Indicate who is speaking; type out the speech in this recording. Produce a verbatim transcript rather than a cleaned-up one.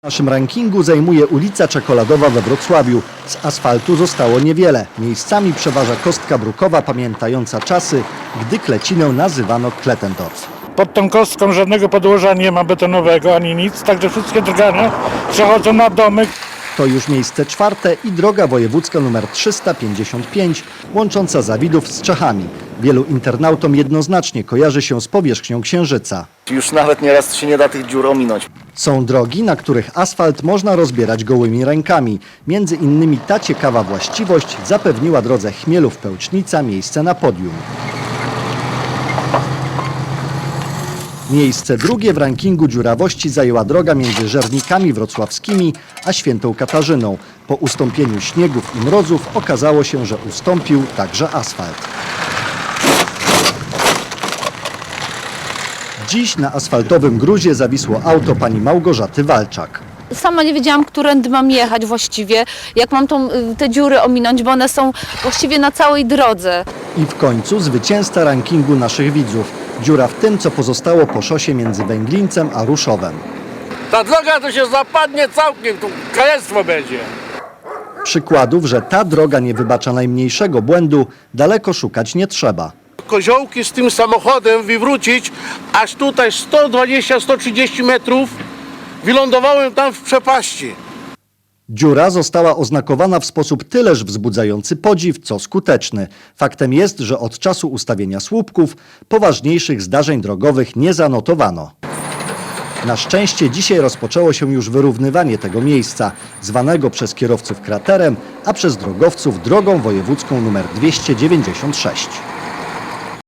Speaker 1: W naszym rankingu zajmuje ulica Czekoladowa we Wrocławiu. Z asfaltu zostało niewiele. Miejscami przeważa kostka brukowa pamiętająca czasy, gdy Klecinę nazywano Kletendorf.
Speaker 2: Pod tą kostką żadnego podłoża nie ma betonowego ani nic, także wszystkie drgania przechodzą na domy.
Speaker 1: To już miejsce czwarte i droga wojewódzka nr trzysta pięćdziesiąt pięć, łącząca Zawidów z Czechami. Wielu internautom jednoznacznie kojarzy się z powierzchnią Księżyca.
Speaker 3: Już nawet nieraz się nie da tych dziur ominąć.
Speaker 1: Są drogi, na których asfalt można rozbierać gołymi rękami. Między innymi ta ciekawa właściwość zapewniła drodze Chmielów-Pełcznica miejsce na podium. Miejsce drugie w rankingu dziurawości zajęła droga między Żernikami Wrocławskimi a Świętą Katarzyną. Po ustąpieniu śniegów i mrozów okazało się, że ustąpił także asfalt. Dziś na asfaltowym gruzie zawisło auto pani Małgorzaty Walczak.
Speaker 4: Sama nie wiedziałam, którędy mam jechać właściwie, jak mam tą, te dziury ominąć, bo one są właściwie na całej drodze.
Speaker 1: I w końcu zwycięzca rankingu naszych widzów. Dziura w tym, co pozostało po szosie między Węglińcem a Ruszowem.
Speaker 5: Ta droga to się zapadnie całkiem, tu kalectwo będzie.
Speaker 1: Przykładów, że ta droga nie wybacza najmniejszego błędu, daleko szukać nie trzeba.
Speaker 5: Koziołki z tym samochodem wywrócić, aż tutaj sto dwadzieścia do stu trzydziestu metrów, wylądowałem tam w przepaści.
Speaker 1: Dziura została oznakowana w sposób tyleż wzbudzający podziw, co skuteczny. Faktem jest, że od czasu ustawienia słupków poważniejszych zdarzeń drogowych nie zanotowano. Na szczęście dzisiaj rozpoczęło się już wyrównywanie tego miejsca, zwanego przez kierowców kraterem, a przez drogowców drogą wojewódzką nr dwieście dziewięćdziesiąt sześć.